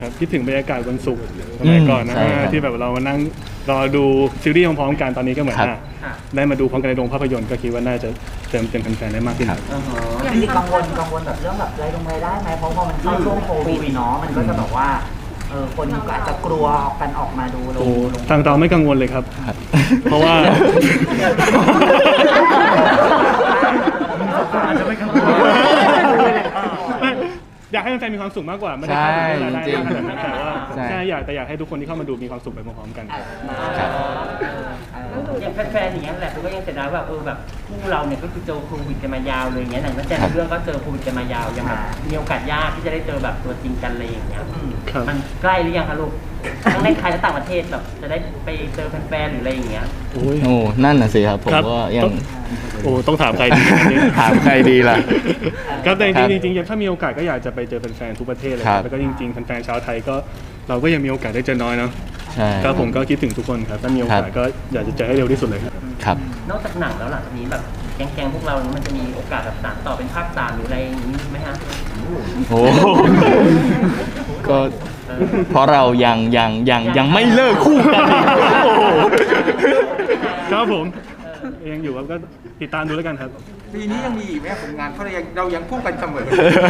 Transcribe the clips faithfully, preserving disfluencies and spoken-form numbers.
ครับคิดถึงบรรยากาศวันศุกร์สมัยก่อนนะที่แบบเรามานั่งรอดูซีรีส์พร้อมๆกันตอนนี้ก็เหมือนได้มาดูพร้อมกันในโรงภาพยนตร์ก็คิดว่าน่าจะเติมเต็มแฟนๆได้มากขึ้นอย่างที่กังวลกังวลแบบเรื่องแบบรายลงรายได้ไหมเพราะพอมันเข้าช่วงโควิดเนาะมันก็จะแบบว่าเออคนก็อาจจะกลัวกันออกมาดูโอ้ทางเราไม่กังวลเลยครับเพราะว่าอาจจะไม่กังวลอยากให้แฟนๆมีความสุขมากกว่าไม่ได้คาดหวังอะไรขนาดนั้นแต่ว่าแค่อยากแต่อยากให้ทุกคนที่เข้ามาดูมีความสุขไปพร้อมๆกันอย่างแฟนๆอย่างเงี้ยแหละก็ยังเสียดายว่าเออแบบคู่เราเนี่ยก็คือเจอโควิดกันมายาวเลยอย่างเงี้ยหนังนักแสดงเรื่องก็เจอโควิดกันมายาวยังแบบมีโอกาสยากที่จะได้เจอแบบตัวจริงกันเลยอย่างเงี้ยมันใกล้หรือยังคะลูกทั้งในไทยและต่างประเทศแบบจะได้ไปเจอแฟนๆหรืออะไรอย่างเงี้ยโอ้นั่นน่ะสิครับผมก็ยังโอ้ต้องถามใครดีถามใครดีล่ะครับแต่จริงๆจริงๆถ้ามีโอกาสก็อยากจะไปเจอแฟนๆทุกประเทศเลยแล้วก็จริงๆแฟนๆชาวไทยก็เราก็ยังมีโอกาสได้เจอน้อยเนาะใช่ก็ผมก็คิดถึงทุกคนครับถ้ามีโอกาสก็อยากจะเจอให้เร็วที่สุดเลยครับครับนอกจากหนังแล้วหลังจากนี้แบบแก๊งๆพวกเรามันจะมีโอกาสแบบสานต่อเป็นภาคสามหรืออะไรอย่างนี้ไหมฮะโอ้ก็เพราะเรายังยังยังยังไม่เลิกคู่กันครับผมยังอยู่ครับก็ติดตามดูแล้วกันครับปีนี้ยังมีอีกไหมผลงานเพราะเรายังเรายังคู่กันเสมอ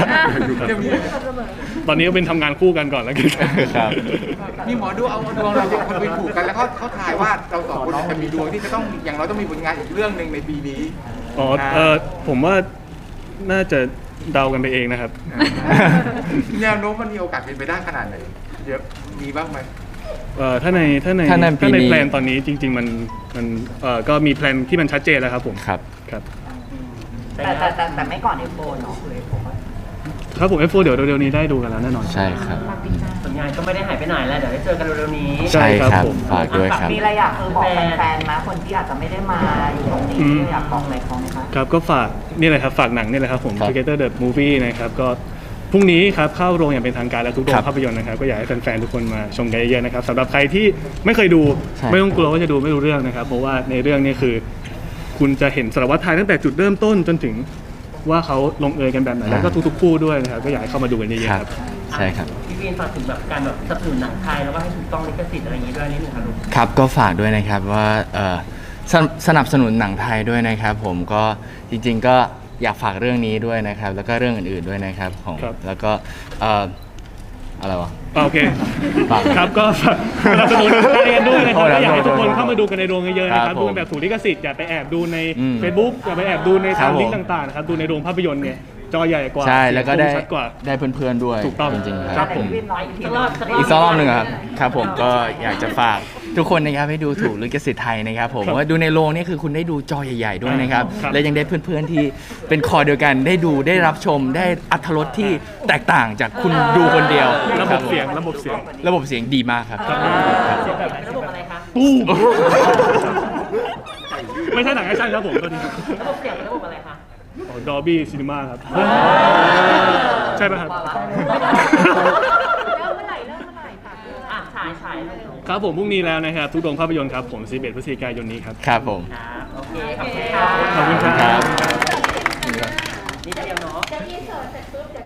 ตอนนี้ก็เป็นทำงานคู่กันก่อนแล้วกันครับมีหมอดูเอาดวงเราสองคนไปผูกกันแล้วเขาเขาทายว่าเราสองคนจะมีดวงที่จะต้องอย่างเราต้องมีผลงานอีกเรื่องหนึ่งในปีนี้อ๋อเออผมว่าน่าจะเดากันไปเองนะครับแนวโน้มมันมีโอกาสเป็นไปได้ขนาดไหนเยอะมีบ้างไหมเอ่อถ้าในถ้าในถ้าในแพลนตอนนี้จริงๆมันมันเอ่อก็มีแพลนที่มันชัดเจนแล้วครับผมครับครับแต่แต่แต่แต่ไม่ก่อนเอฟโฟเนาะเลยผมครับผมเอฟโฟเดี๋ยวเร็วๆนี้ได้ดูกันแล้วแน่นอนใช่ครับผลงานก็ไม่ได้หายไปไหนแล้วเดี๋ยวได้เจอกันเร็วๆนี้ใช่ครับฝากด้วยครับมีอะไรอยากคือบอกแฟนๆมาคนที่อาจจะไม่ได้มาอยู่ตรงนี้อยากบอกอะไรเขาไหมครับครับก็ฝากนี่เลยครับฝากหนังนี่เลยครับผม Together the Movie นะครับก็พรุ่งนี้ครับเข้าโรงอย่างเป็นทางการแล้วทุกโรงภาพยนตร์นะครับก็อยากให้แฟนๆทุกคนมาชมกันเยอะๆนะครับสำหรับใครที่ไม่เคยดูไม่ต้องกลัวว่าจะดูไม่รู้เรื่องนะครับเพราะว่าในเรื่องนี้คือคุณจะเห็นสารวัตรไทยตั้งแต่จุดเริ่มต้นจนถึงว่าเขาลงเอยกันแบบไหนแล้วก็ทุกๆคู่ด้วยนะครับก็อยากให้เข้ามาดูกันเยอะๆครับใช่ครับพี่วินฝากถึงแบบการแบบสนับสนุนหนังไทยแล้วก็ให้ถูกต้องลิขสิทธิ์อะไรอย่างนี้ด้วยนิดนึงครับลูกครับก็ฝากด้วยนะครับว่าสนับสนุนหนังไทยด้วยนะครับผมก็จริงๆก็อยากฝากเรื่องนี้ด้วยนะครับแล้วก็เรื่องอื่นๆด้วยนะครับของแล้วก็อะไรวะโอเคครับก็สนับสนุนกันด้วยนะครับอยากให้ทุกคนเข้ามาดูกันในโรงเยอะๆนะครับดูแบบถูกลิขสิทธิ์อย่าไปแอบดูใน Facebook อย่าไปแอบดูในตามลิงก์ต่างๆนะครับดูในโรงภาพยนตร์เนี่ยจอใหญ่กว่าใช่แล้วก็ได้ได้เพื่อนๆด้วยถูกต้องจริงๆครับผมอีกสักรอบหนึ่งครับครับผมก็อยากจะฝากทุกคนนะครับให้ดูถูกลิขสิทธิ์ไทยนะครับผมว่าดูในโรงนี่คือคุณได้ดูจอใหญ่ๆด้วยนะครับและยังได้เพื่อนๆที่เป็นคอเดียวกันได้ดูได้รับชมได้อรรถรสที่แตกต่างจากคุณดูคนเดียวระบบเสียงระบบเสียงระบบเสียงดีมากครับระบบอะไรคะปูไม่ใช่หนังแอคชั่นครับผมตัวนี้ระบบเสียงระบบอะไรคะดอบี้ซีนีมาครับใช่ไหมครับเริ่มเมื่อไหร่เริ่มเมื่อไหร่ค่ะอ่ะฉายฉายครับผมพรุ่งนี้แล้วนะครับทุกโรงภาพยนตร์ครับผมสิบเอ็ดพฤศจิกายนนี้ครับครับผมครับโอเคขอบคุณครับขอบคุณครับนี่เดียวเนาะ